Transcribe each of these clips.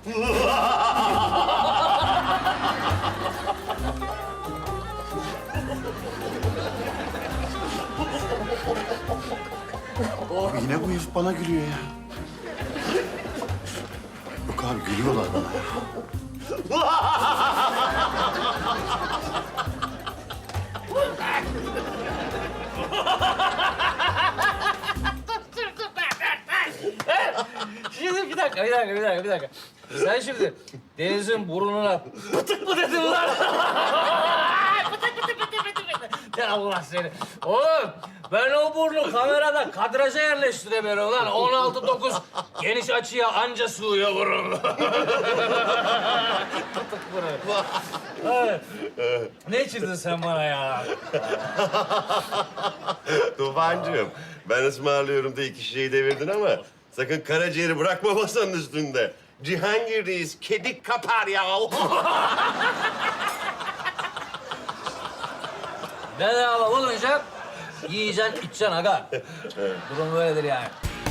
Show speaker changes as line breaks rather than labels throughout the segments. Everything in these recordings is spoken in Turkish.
Abi yine bu herif bana gülüyor ya. Yok abi gülüyorlar bana ya.
Şimdi bir dakika. Sen şimdi Deniz'in burnuna pıtık mı dedin lan? Pıtık. Ya Allah seni. Oğlum ben o burnu kamerada kadraja yerleştiremiyorum lan. 16-9 geniş açıya anca sığıyor burun. Pıtık burun. Evet. Ne içirdin sen bana ya?
Tufancığım, ben ısmarlıyorum da iki şişeyi devirdin ama sakın karaciğeri bırakma masanın üstünde. Cihangir'deyiz, kedik kapar ya.
Bedava olunca yiyeceksin, içeceksin aga. Durum böyledir yani.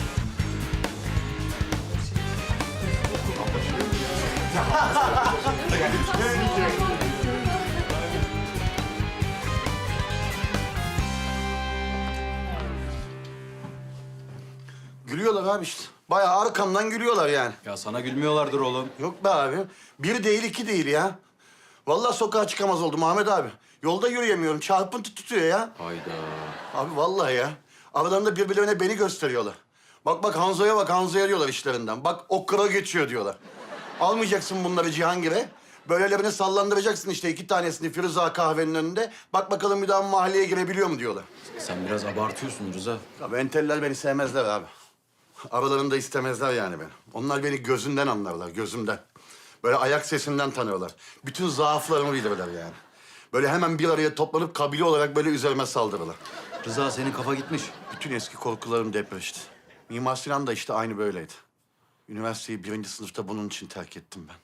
Gülüyorlar abi işte. Bayağı arkamdan gülüyorlar yani.
Ya sana gülmüyorlardır oğlum.
Yok be abi. Bir değil, iki değil ya. Vallahi sokağa çıkamaz oldum Ahmet abi. Yolda yürüyemiyorum. Çarpıntı tutuyor ya.
Hayda.
Abi vallahi ya. Aralarında birbirlerine beni gösteriyorlar. Bak Hanzo'ya bak, Hanzo'ya diyorlar işlerinden. Bak o kıra geçiyor diyorlar. Almayacaksın bunları Cihangir'e. Böylelerini sallandıracaksın işte iki tanesini Firuza kahvenin önünde. Bak bakalım bir daha mahalleye girebiliyor mu diyorlar.
Sen biraz abartıyorsun Rıza.
Abi enteller beni sevmezler abi. Aralarında istemezler yani beni. Onlar beni gözünden anlarlar, gözümden. Böyle ayak sesinden tanıyorlar. Bütün zaaflarımı bilirler yani. Böyle hemen bir araya toplanıp kabile olarak böyle üzerime saldırırlar.
Rıza senin kafa gitmiş.
Bütün eski korkularım depreşti. Mimar Sinan da işte aynı böyleydi. Üniversiteyi 1. sınıfta bunun için terk ettim ben.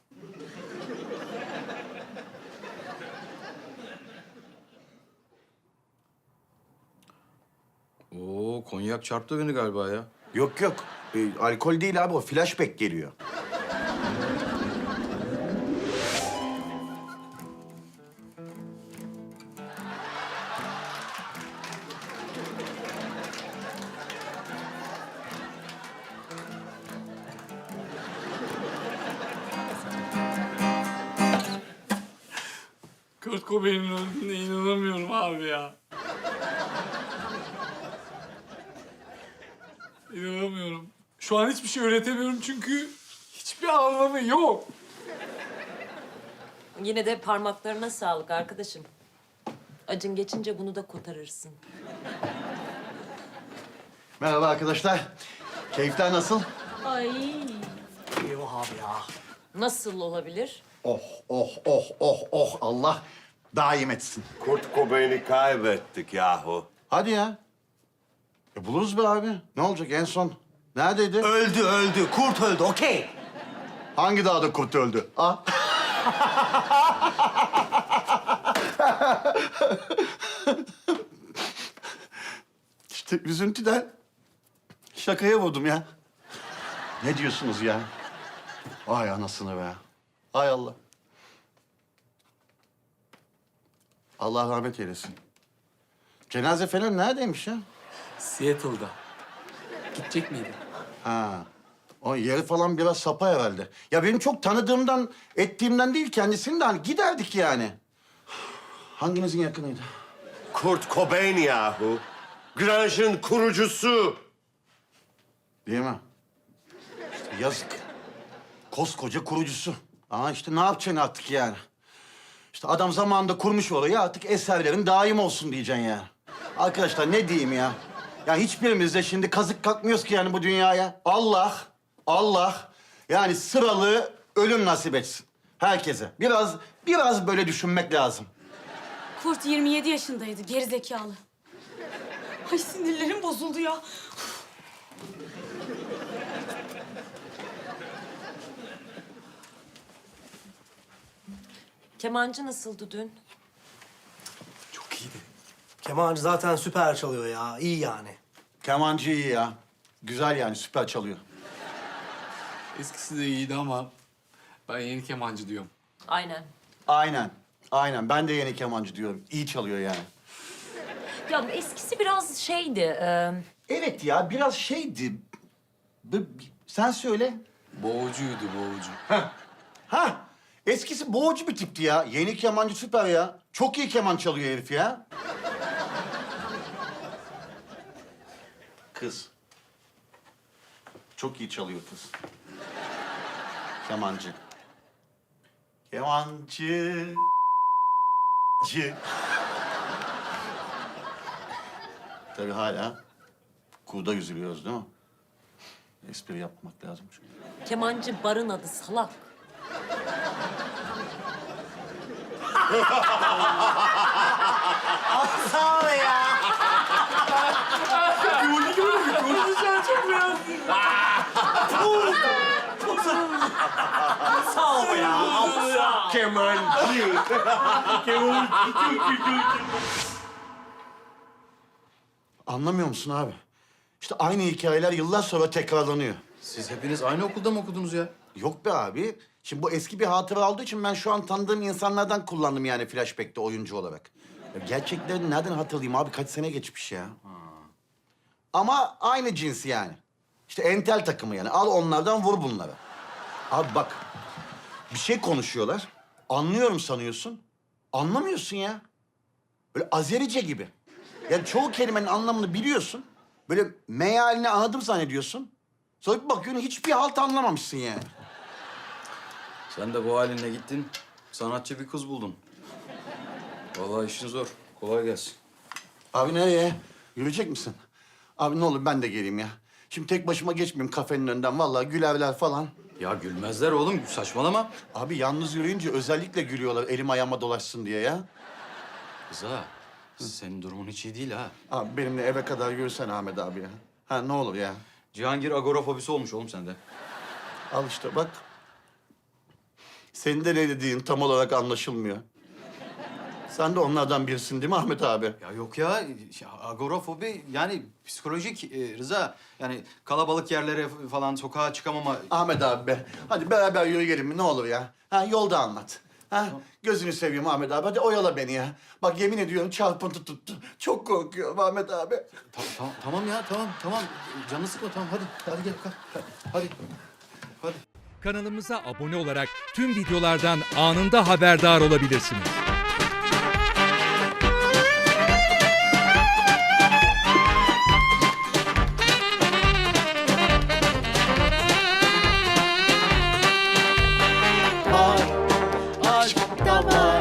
Oo konyak çarptı beni galiba ya.
Yok. Alkol değil abi o. Flashback geliyor.
Kurt Cobain'in öldüğüne inanamıyorum abi ya. İnanamıyorum. Şu an hiçbir şey öğretemiyorum çünkü hiçbir anlamı yok.
Yine de parmaklarına sağlık arkadaşım. Acın geçince bunu da kotarırsın.
Merhaba arkadaşlar. Keyifler nasıl?
Ay. Nasıl olabilir?
Oh. Allah daim etsin.
Kurt Cobain'i kaybettik yahu.
Hadi ya. Buluruz be abi. Ne olacak en son? Neredeydi?
Öldü. Kurt öldü, okey.
Hangi dağda kurt öldü? Ah. İşte üzüntüden şakaya vurdum ya. Ne diyorsunuz ya? Ay anasını be. Ay Allah. Allah rahmet eylesin. Cenaze falan neredeymiş ya?
Seattle'da. Gidecek miydin?
Ha. O yeri falan biraz sapa herhalde. Ya benim çok tanıdığımdan, ettiğimden değil kendisini de hani giderdik yani. Hanginizin yakınıydı?
Kurt Cobain yahu. Grunge'ın kurucusu.
Değil mi? İşte yazık. Koskoca kurucusu. Ama işte ne yapacaksın artık yani? İşte adam zamanında kurmuş orayı artık eserlerin daim olsun diyeceksin ya. Arkadaşlar ne diyeyim ya? Ya hiçbirimiz de şimdi kazık kalkmıyoruz ki yani bu dünyaya. Allah yani sıralı ölüm nasip etsin herkese. Biraz böyle düşünmek lazım.
Kurt 27 yaşındaydı, gerizekalı. Ay sinirlerim bozuldu ya.
Kemancı nasıldı dün?
Çok iyiydi. Kemancı zaten süper çalıyor ya, iyi yani.
Kemancı iyi ya. Güzel yani süper çalıyor.
Eskisi de iyiydi ama Ben yeni kemancı diyorum.
Aynen.
Aynen. Aynen. Ben de yeni kemancı diyorum. İyi çalıyor yani.
Ya eskisi biraz şeydi.
Evet ya biraz şeydi. Sen söyle.
Boğucuydu boğucu.
Ha, eskisi boğucu bir tipti ya. Yeni kemancı süper ya. Çok iyi keman çalıyor herif ya. Kız. Çok iyi çalıyor kız. Kemancı. Kemancı. Tabii hala kurda yüzülüyoruz değil mi? Espri yapmak lazım çünkü.
Kemancı barın adı salak.
Sağ ol ya.
Sağ ol ya.
Kemancı.
Anlamıyor musun abi? İşte aynı hikayeler yıllar sonra tekrarlanıyor.
Siz hepiniz aynı okulda mı okudunuz ya?
Yok be abi. Şimdi bu eski bir hatıra olduğu için ben şu an tanıdığım insanlardan kullandım yani flashback'te oyuncu olarak. Ya gerçekleri nereden hatırlayayım abi? Kaç sene geçmiş ya. Ama aynı cins yani. İşte entel takımı yani. Al onlardan vur bunlara. Abi bak. Bir şey konuşuyorlar. Anlıyorum sanıyorsun. Anlamıyorsun ya. Böyle Azerice gibi. Yani çoğu kelimenin anlamını biliyorsun. Böyle mealini anladım zannediyorsun. Sonra bir bakıyorsun hiçbir halt anlamamışsın yani.
Sen de bu halinle gittin, sanatçı bir kız buldun. Vallahi işin zor. Kolay gelsin.
Abi nereye? Yürüyecek misin? Abi ne olur ben de geleyim ya. Şimdi tek başıma geçmeyeyim kafenin önünden. Vallahi gülerler falan.
Ya gülmezler oğlum, saçmalama.
Abi yalnız yürüyünce özellikle gülüyorlar elim ayağıma dolaşsın diye ya.
Rıza, senin durumun hiç iyi değil ha.
Abi benimle eve kadar yürüsen Ahmet abi ya. Ha ne olur ya.
Cihangir agorafobisi olmuş oğlum sende.
Al işte bak. Senin de ne dediğin tam olarak anlaşılmıyor. Sen de onlardan birisin değil mi Ahmet abi?
Ya yok ya, agorafobi yani psikolojik Rıza. Yani kalabalık yerlere falan sokağa çıkamama.
Ahmet abi be. Hadi beraber yürüyelim mi ne olur ya. Ha yolda anlat. Ha gözünü seveyim Ahmet abi. Hadi oyala beni ya. Bak yemin ediyorum çarpıntı tuttu. Çok korkuyorum Ahmet abi.
Tamam ya, tamam. Canını sıkma, tamam. Hadi gel, kalk. Hadi.
Kanalımıza abone olarak tüm videolardan anında haberdar olabilirsiniz.
Aşk da var.